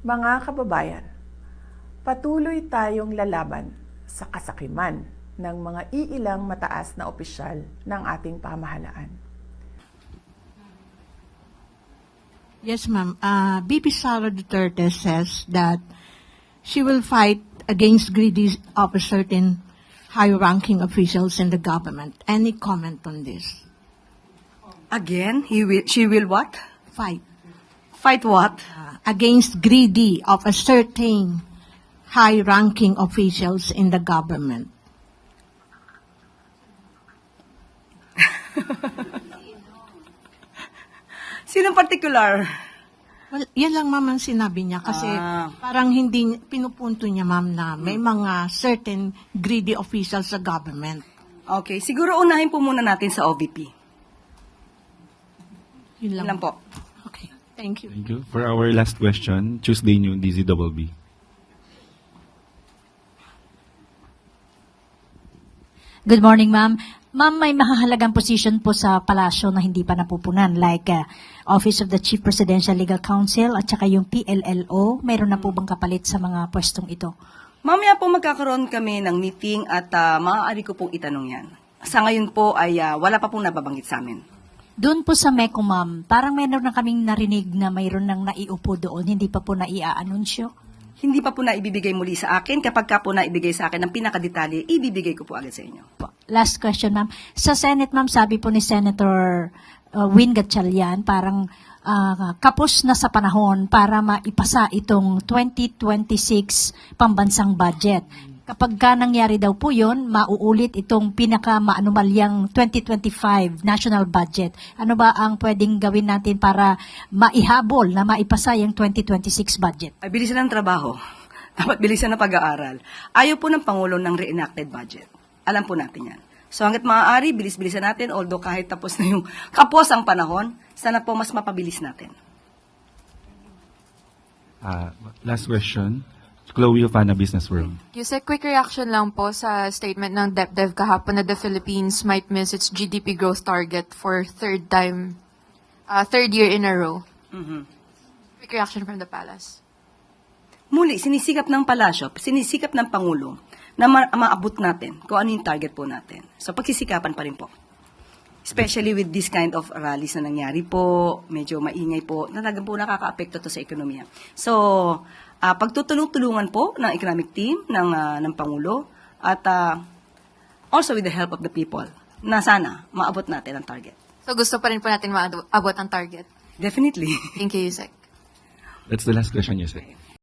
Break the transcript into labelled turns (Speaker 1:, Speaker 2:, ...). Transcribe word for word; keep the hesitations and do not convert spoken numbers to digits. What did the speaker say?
Speaker 1: Mga kababayan, patuloy tayong lalaban sa kasakiman ng mga iilang mataas na opisyal ng ating pamahalaan.
Speaker 2: Yes, ma'am. Uh, B P Sara Duterte says that she will fight against greedy of a certain high-ranking officials in the government. Any comment on this?
Speaker 3: Again, he will, she will what?
Speaker 2: Fight
Speaker 3: Fight what?
Speaker 2: uh, against greedy of a certain high-ranking officials in the government.
Speaker 3: Sinong particular?
Speaker 2: Well, yan lang, ma'am, ang sinabi niya. Kasi
Speaker 3: Ah.
Speaker 2: parang hindi, pinupunto niya, ma'am, na may mga certain greedy officials sa government.
Speaker 3: Okay, siguro unahin po muna natin sa O V P.
Speaker 2: Yun lang.
Speaker 3: Yun lang po.
Speaker 2: Okay. Thank you.
Speaker 4: Thank you. For our last question, Tuesday New D Z B B.
Speaker 5: Good morning, ma'am. Ma'am, may mahahalagang position po sa palasyo na hindi pa napupunan, like uh, Office of the Chief Presidential Legal Counsel at saka yung P L L O. Mayroon na po bang kapalit sa mga pwestong ito?
Speaker 3: Mamaya po magkakaroon kami ng meeting at ah, maaari ko pong itanong yan. Sa ngayon po ay ah, wala pa pong nababanggit sa amin.
Speaker 5: Doon po sa MECO, ma'am, parang mayroon na kaming narinig na mayroon nang naiupo doon, hindi pa po naiaanunsyo.
Speaker 3: Hindi pa po na ibibigay muli sa akin. Kapag ka po na ibigay sa akin ng pinakadetalye, ibibigay ko po agad sa inyo.
Speaker 5: Po. Last question, ma'am. Sa Senate, ma'am, sabi po ni Senator uh, Win Gatchalian, parang uh, kapos na sa panahon para maipasa itong twenty twenty-six pambansang budget. Kapag ka nangyari daw po yun, mauulit itong pinaka-maanumalyang twenty twenty-five national budget. Ano ba ang pwedeng gawin natin para maihabol na maipasa yung twenty twenty-six budget?
Speaker 3: Ay, bilisan ng trabaho. Dapat bilisan ng pag-aaral. Ayaw po ng Pangulo ng reenacted budget. Alam po natin yan. So hanggat maaari, bilis-bilisan natin, although kahit tapos na yung kapos ang panahon, sana po mas mapabilis natin.
Speaker 4: Uh, last question, Chloe of Ana Business World.
Speaker 6: Yusek, quick reaction lang po sa statement ng DepDev kahapon na the Philippines might miss its G D P growth target for third time, uh, third year in a row.
Speaker 3: Mhm.
Speaker 6: Quick reaction from the palace.
Speaker 3: Muli, sinisikap ng palasyo, sinisikap ng Pangulo na ma- maabot natin kung ano yung target po natin. So, pagsisikapan pa rin po. Especially with this kind of rallies na nangyari po, medyo maingay po, talagang po nakaka-apekto to sa ekonomiya. So, uh, pagtutulong-tulungan po ng economic team ng, ah, ng Pangulo at ah, also with the help of the people na sana maabot natin ang target.
Speaker 6: So gusto pa rin po natin maabot ang target.
Speaker 3: Definitely.
Speaker 6: Thank you, Yusek.
Speaker 4: That's the last question, Yusek.